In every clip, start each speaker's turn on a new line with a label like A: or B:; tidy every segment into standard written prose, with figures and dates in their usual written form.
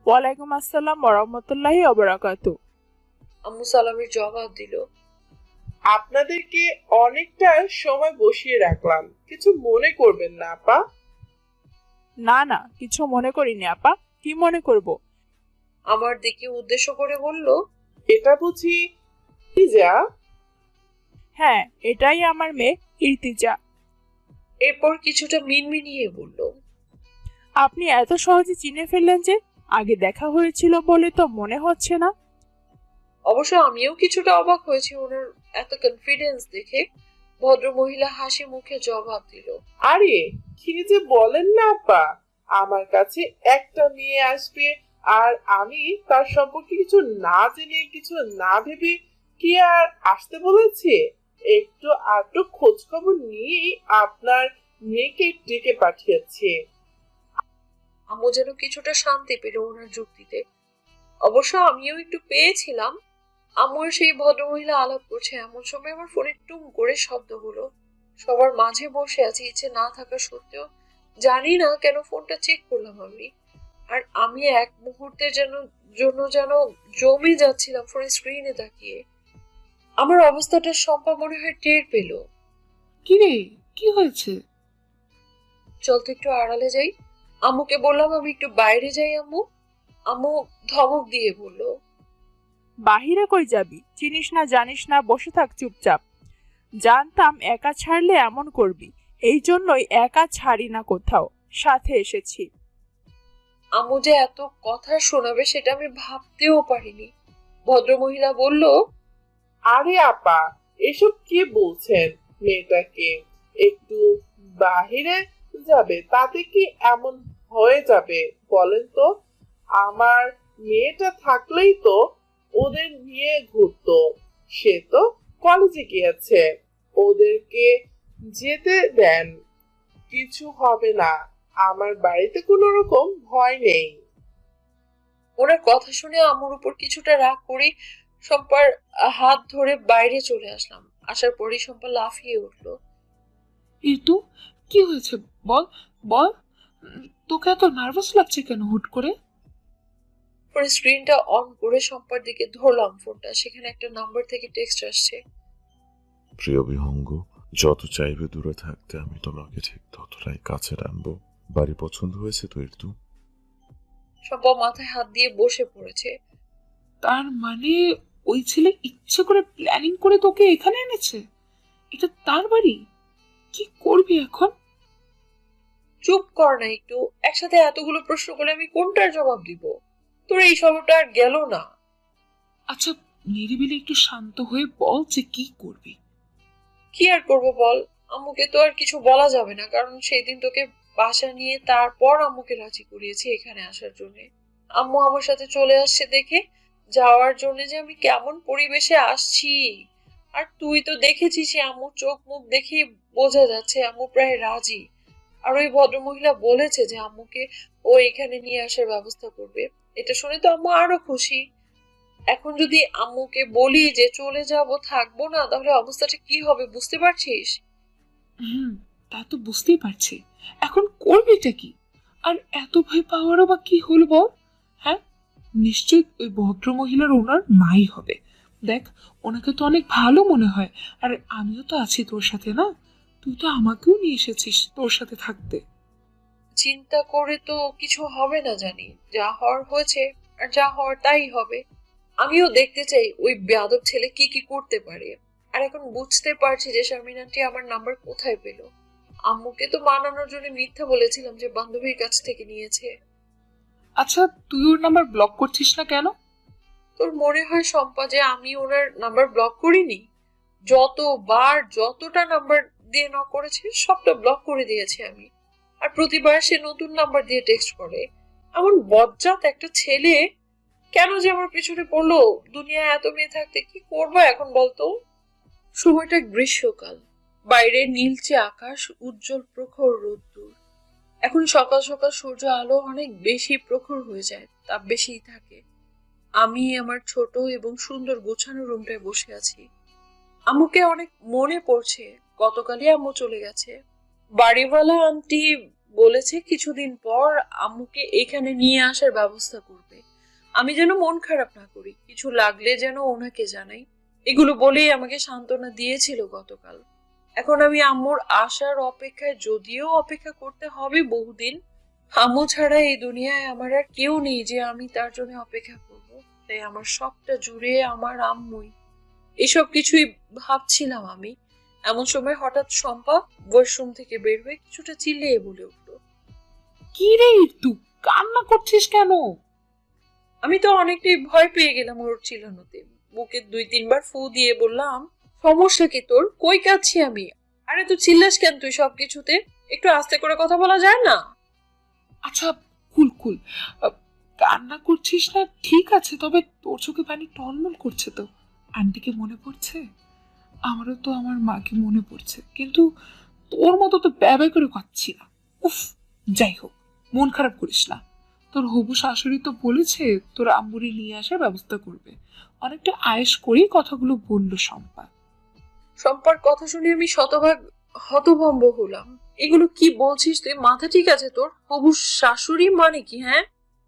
A: ওয়ালাইকুম আসসালাম ওয়া বারাকাতু।
B: আম্মু সালামের জবাব দিল।
C: আপনাদেরকে অনেকটা সময় বসিয়ে রাখলাম, কিছু মনে করবেন না আপা।
A: না না, কিছু মনে করিনি আপা। কি মনে করব?
B: আমার দিকে উদ্দেশ্য করে বলল,
C: এটা বুঝি যা?
A: হ্যাঁ, এটাই আমার মেয়ে ইর্তিজা।
B: এরপর কিছুটা মিনমিনিয়ে বলল,
A: আপনি এত সহজে চিনে ফেললেন যে? আগে দেখা হয়েছিল বলে তো মনে হচ্ছে না।
B: অবশ্য আমিও কিছুটা অবাক হয়েছি ওনার এত কনফিডেন্স দেখে। ভদ্র মহিলা হাসি মুখে জবাব দিল,
C: আরে কি যে বলেন না আপা, আমার কাছে একটা মেয়ে আসবে আর আমি তার সম্পর্কে কিছু না জেনে কিছু না ভেবে কি আর আসতে বলেছে? একটু আধটু খোঁজ খবর নিয়েই আপনার মেয়েকে ডেকে পাঠিয়েছে।
B: আম্মু যেন কিছুটা শান্তি পেল ওনার যুক্তিতে। অবশ্য আমিও একটু পেয়েছিলাম। আম্মুর সেই ভদ্রমহিলা আলাপ করছে এমন সময় আমার ফোনে টুম করে শব্দ হলো। সবার মাঝে বসে আছি, ইচ্ছে না থাকা সত্ত্বেও জানি না কেন ফোনটা চেক করলাম আমি। আর আমি এক মুহূর্তের জন্য জমে যাচ্ছিলাম ফোনের স্ক্রিনে তাকিয়ে। আমার অবস্থাটা শম্পা মনে হয় টের পেল।
D: কি রে, কি হয়েছে?
B: চল তো একটু আড়ালে যাই। আম্মুকে বললাম আমি একটু বাইরে যাই আম্মু। আম্মু ধমক দিয়ে বলল,
A: বাহিরে কই যাবি? চিনিস না জানিস না, বসে থাক চুপচাপ। জানতাম একা ছাড়লে এমন করবি, এই জন্যই একা ছাড়ি না কোথাও, সাথে এসেছি।
B: আম্মু যে এত কথা শোনাবে সেটা আমি ভাবতেও পারিনি। ভদ্রমহিলা বলল,
C: আরে আপা, এসব কি বলছেন? মেয়েটাকে একটু বাহিরে যাবে তাতে কি এমন হয়ে যাবে বলেন তো? আমার মেয়েটা থাকলেই তো ওদের নিয়ে ঘুরতো। সে তো কলেজে গিয়েছে, ওদেরকে যেতে দেন, কিছু হবে না। আমার বাড়িতে কোনো রকম ভয় নেই।
B: ওনার কথা শুনে আম্মুর উপর কিছুটা রাগ করে শম্পার হাত ধরে বাইরে চলে আসলাম। আসার পরই শম্পা লাফিয়ে উঠলো।
D: ঋতু, কি হয়েছে? বল, বল। তোকে এত নার্ভাস লাগছে কেন হুট করে?
B: পরে স্ক্রিনটা অন করে শম্পার দিকে ধরলাম ফোনটা। সেখানে একটা নাম্বার থেকে টেক্সট আসছে।
E: প্রিয় বিহঙ্গ, যত চাইবে দূরে থাকতে আমি তোমাকে ঠিক ততটাই কাছে টানবো। বাড়ি পছন্দ হয়েছে তো ঋতু?
B: শম্পা মাথায় হাত দিয়ে বসে পড়েছে।
D: তার মানে ওই ছেলে ইচ্ছে করে প্ল্যানিং করে তোকে এখানে এনেছে? এটা তার বাড়ি? কি করবি এখন?
B: চুপ কর না একটু। একসাথে এতগুলো প্রশ্ন করলে আমি কোনটার জবাব দিব? তোর এই স্বভাবটা আর গেল না।
D: আচ্ছা, নিরিবিলি একটু শান্ত হয়ে বল যে কি করবি।
B: কি আর করবো বল। আম্মুকে তো আর কিছু বলা যাবে না, কারণ সেই দিন তোকে বাসা নিয়ে তারপর আম্মুকে রাজি করিয়েছি এখানে আসার জন্য। আম্মু আমার সাথে চলে আসছে দেখে যাওয়ার জন্য যে আমি কেমন পরিবেশে আসছি। আর তুই তো দেখেছিস আম্মু চোখ মুখ দেখে বোঝা যাচ্ছে আম্মু প্রায় রাজি। আর ওই ভদ্রমহিলা বলেছে যে আম্মুকে ও এখানে নিয়ে আসার ব্যবস্থা করবে। এটা শুনে তো আম্মু আরো খুশি। এখন যদি আম্মুকে বলি যে চলে যাব, থাকবো না, তাহলে অবস্থাটা কি হবে বুঝতে পারছিস?
D: হুম, তা তো বুঝতেই পারছি। এখন করবিটা কি? আর এত ভয় পাওয়ারও বা কি হলো বল? হ্যাঁ, নিশ্চয়ই ওই ভদ্র মহিলার ওনার মাই হবে। দেখ, ওনাকে তো অনেক ভালো মনে হয়। আর আমিও তো আছি তোর সাথে, না? তুই তো আমাকেও নিয়ে এসেছিস তোর সাথে থাকতে।
B: চিন্তা করে তো কিছু হবে না জানি। যা হওয়ার হয়েছে, আর যা হওয়ার তাই হবে। আমিও দেখতে চাই ওই বেয়াদব ছেলে কি কি করতে পারে। আর এখন বুঝতে পারছি যে শারমিন আন্টি আমার নাম্বার কোথায় পেল। আম্মুকে তো মানানোর জন্য মিথ্যা বলেছিলাম যে বান্ধবীর কাছ থেকে নিয়েছে।
D: আচ্ছা, তুই ওর নাম্বার ব্লক করছিস না কেন?
B: তোর মনে হয় শম্পা যে আমি ওনার নাম্বার ব্লক করিনি? যতবার যতটা নাম্বার দিয়ে নক করেছে সবটা ব্লক করে দিয়েছি আমি। আর প্রতিবার সে নতুন নাম্বার দিয়ে টেক্সট করে। এমন বজ্জাত একটা ছেলে কেন যে আমার পিছনে পড়লো? দুনিয়ায় এত মেয়ে থাকতে কি করবো এখন বলতো? সময়টা গ্রীষ্মকাল। বাইরে নীলচে আকাশ, উজ্জ্বল প্রখর রোদ্দুর। এখন সকাল সকাল সূর্য আলো অনেক বেশি প্রখর হয়ে যায়, তাপ বেশিই থাকে। আমি আমার ছোট এবং সুন্দর গোছানো রুমটায় বসে আছি। আম্মুকে অনেক মনে পড়ছে। গতকালই আম্মু চলে গেছে। বাড়িওয়ালা আন্টি বলেছে কিছুদিন পর আম্মুকে এখানে নিয়ে আসার ব্যবস্থা করবে। আমি যেন মন খারাপ না করি, কিছু লাগলে যেন ওনাকে জানাই। এগুলো বলেই আমাকে সান্ত্বনা দিয়েছিল গতকাল। এখন আমি আম্মুর আসার অপেক্ষায়, যদিও অপেক্ষা করতে হবে বহুদিন, আম্মু ছাড়া এই দুনিয়ায় আমার আর কেউ নেই যে আমি তার জন্য অপেক্ষা করব। তাই আমার সবটা জুড়ে আমার আম্মুই। এসব কিছুই ভাবছিলাম আমি, এমন সময় হঠাৎ শম্পা ওয়াশরুম থেকে বের হয়ে কিছুটা চিল্লিয়ে বলে উঠল,
D: কি রে তুই কান্না করছিস কেন?
B: আমি তো অনেকটাই ভয় পেয়ে গেলাম ওর চিল্লানোতে। বুকে 2-3 বার ফু দিয়ে বললাম, সমস্যা কি তোর? কই কাচ্ছি আমি? আরে তুই চিল্লাস কেন? তুই সবকিছুতে একটু আস্তে করে কথা বলা যায় না?
D: আচ্ছা, কুল কুল, কান্না করছিস না ঠিক আছে, তবে তোর চোখে পানি টলমল করছে তো। আন্টিকে মনে পড়ছে? আমারও তো আমার মাকে মনে পড়ছে, কিন্তু তোর মতো তো ব্যয় করে কাচ্ছি না। উফ, যাই হোক, মন খারাপ করিস না। তোর হবু শাশুড়ি তো বলেছে তোর আম্মুরি নিয়ে আসার ব্যবস্থা করবে। অনেকটা আয়েশ করেই কথাগুলো বললো শম্পা।
B: শম্পার কথা শুনে আমি শতভাগ হতভম্ব হলাম। এগুলো কি বলছিস তুই? মাথা ঠিক আছে তোর? হবু শাশুড়ি মানে কি? হ্যাঁ,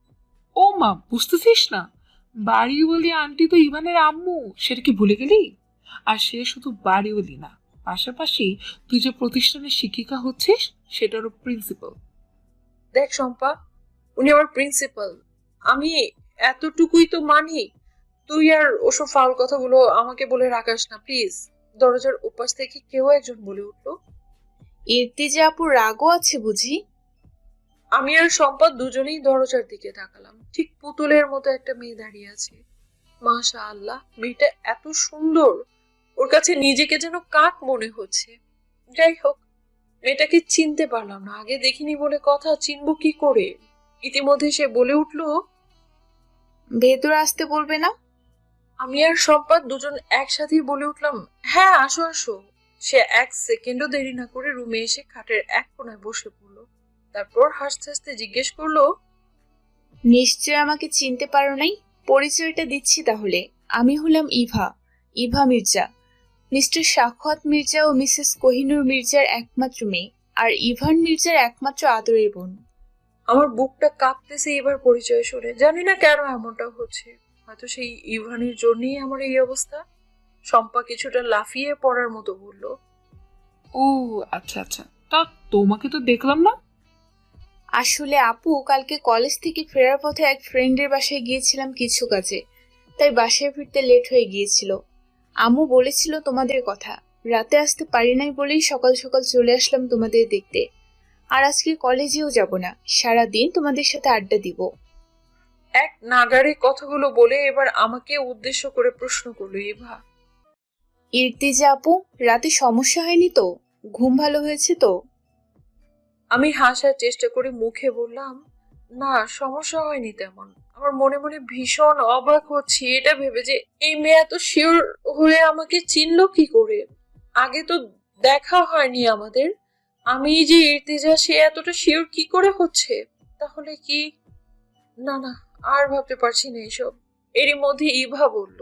D: ও মা, বুঝতেছিস না? বাড়িওয়ালি আন্টি তো ইভানের আম্মু, সেটা কি ভুলে গেলি? আর সে শুধু বাড়িওয়ালি না, পাশাপাশি তুই যে প্রতিষ্ঠানের শিক্ষিকা হচ্ছিস সেটারও প্রিন্সিপাল।
B: দেখ শম্পা, উনি আমার প্রিন্সিপাল। আমি এতটুকুই তো মানি। তুই আর ওসব ফাউল কথাগুলো আমাকে বলে রাখাস না প্লিজ। দরজার উপাস থেকে কেউ একজন বলে উঠলো,
F: ইর্তিজা আপুর রাগও আছে বুঝি?
B: আমি আর শম্পা দুজনেই দরজার দিকে তাকালাম। ঠিক পুতুলের মতো একটা মেয়ে দাঁড়িয়ে আছে। মাশা আল্লাহ, মেয়েটা এত সুন্দর, ওর কাছে নিজেকে যেন কাক মনে হচ্ছে। যাই হোক, মেয়েটাকে চিনতে পারলাম না, আগে দেখিনি বলে কথা, চিনবো কি করে? ইতিমধ্যে সে বলে উঠলো,
F: ভেতরে আসতে বলবে না?
B: আমি আর শম্পা দুজন একসাথেই বলে উঠলাম, হ্যাঁ আসো আসো। সে 1 সেকেন্ডও দেরি না করে রুমে এসে খাটের এক কোনায় বসে পড়লো। তারপর হাসতে হাসতে জিজ্ঞেস করলো,
F: নিশ্চয় আমাকে চিনতে পারো নাই। পরিচয়টা দিচ্ছি তাহলে। আমি হলাম ইভা, ইভা মির্জা। মিস্টার সাখাওয়াত মির্জা ও মিসেস কোহিনূর মির্জার একমাত্র মেয়ে, আর ইভান মির্জার একমাত্র আদরের বোন।
B: আমার বুকটা কাঁপতেছে এবার পরিচয় শুনে। জানি না কেন এমনটা হচ্ছে, হয়তো সেই ইভানের জন্যই আমার এই অবস্থা। শম্পা কিছুটা লাফিয়ে পড়ার মতো বলল,
D: ও আচ্ছা আচ্ছা, তা তোমাকে তো দেখলাম না।
F: আসলে আপু, কালকে কলেজ থেকে ফেরার পথে এক ফ্রেন্ডের বাসায় গিয়েছিলাম কিছু কাজে, তাই বাসায় ফিরতে লেট হয়ে গিয়েছিল। আম্মু বলেছিল তোমাদের কথা, রাতে আসতে পারি নাই বলেই সকাল সকাল চলে আসলাম তোমাদের দেখতে। আর আজকে কলেজেও যাব না, সারাদিন তোমাদের সাথে আড্ডা দিব।
B: এক নাগারে কথাগুলো বলে এবার আমাকে উদ্দেশ্য করে প্রশ্ন করলো ইভা।
F: ইর্তিজা আপু, রাতে সমস্যা হয়নি তো? ঘুম ভালো হয়েছে তো?
B: আমি হাসার চেষ্টা করে মুখে বললাম, না সমস্যা হয়নি তেমন। আমার মনে মনে ভীষণ অবাক হচ্ছি এটা ভেবে যে এই মেয়ে এত শিওর হয়ে আমাকে চিনলো কি করে। আগে তো দেখা হয়নি আমাদের। আমি যে ইর্তিজা, সে এতটা শিওর কি করে হচ্ছে? তাহলে কি? না না, আর ভাবতে পারছি না এসব। এরই মধ্যে ইভা বলল,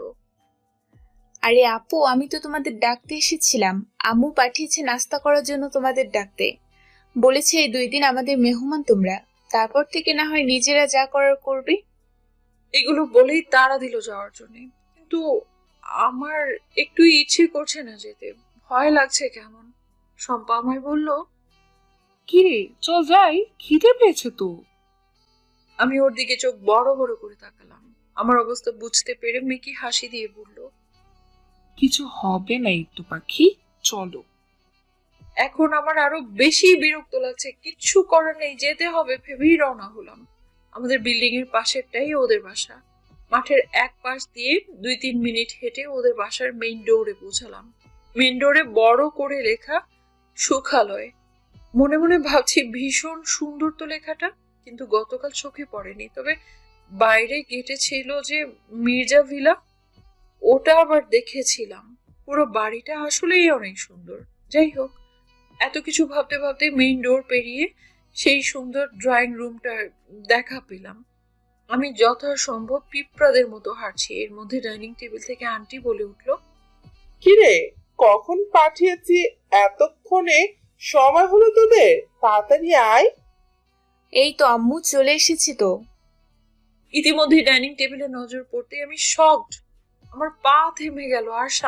F: আরে আপু, আমি তো তোমাদের ডাকতে এসেছিলাম। আম্মু পাঠিয়েছে নাস্তা করার জন্য তোমাদের ডাকতে। বলেছে এই 2 দিন আমাদের মেহমান তোমরা, তারপর থেকে না হয় নিজেরা যা করার করবে।
B: এগুলো বলেই তাড়া দিল যাওয়ার জন্য। কিন্তু আমার একটু ইচ্ছে করছে না যেতে, ভয় লাগছে কেমন। শম্পা আমায় বলল,
D: কি রে, চল যাই, খিদে পেয়েছে তো।
B: আমি ওর দিকে চোখ বড় বড় করে তাকালাম। আমার অবস্থা বুঝতে পেরে মেকি হাসি দিয়ে বলল,
D: কিছু হবে না একটু পাখি, চলো।
B: এখন আমার আরো বেশি বিরক্ত লাগছে। কিচ্ছু করার নেই, যেতে হবে ভেবেই রওনা হলাম। আমাদের বিল্ডিং এর পাশেরটাই ওদের বাসা। মাঠের এক পাশ দিয়ে 2-3 মিনিট হেঁটে ওদের বাসার মেইন ডোরে পৌঁছালাম। মেইন ডোরে বড় করে লেখা সুখালয়। মনে মনে ভাবছি ভীষণ সুন্দর তো লেখাটা, কিন্তু গতকাল চোখে পড়েনি। তবে বাইরে গেটে ছিল যে মির্জা ভিলা, ওটা আবার দেখেছিলাম। পুরো বাড়িটা আসলেই অনেক সুন্দর। যাই হোক, এত কিছু ভাবতে ভাবতে মেইন ডোর পেরিয়ে সেই সুন্দর ড্রয়িং রুমটা দেখা পেলাম। আমি যথাসম্ভব পিঁপড়াদের মতো হাঁটছি। এর মধ্যে ডাইনিং টেবিল থেকে আন্টি বলে উঠলো,
C: কিরে, কখন পাঠিয়েছি? এতক্ষণে সময় হলো তোদের? তাড়াতাড়ি আয়।
F: এই তো আম্মু চলে এসেছি তো।
B: ইতিমধ্যে ডাইনিং টেবিলে নজর পড়তে আমি শকড। আমার পা থেমে গেল আর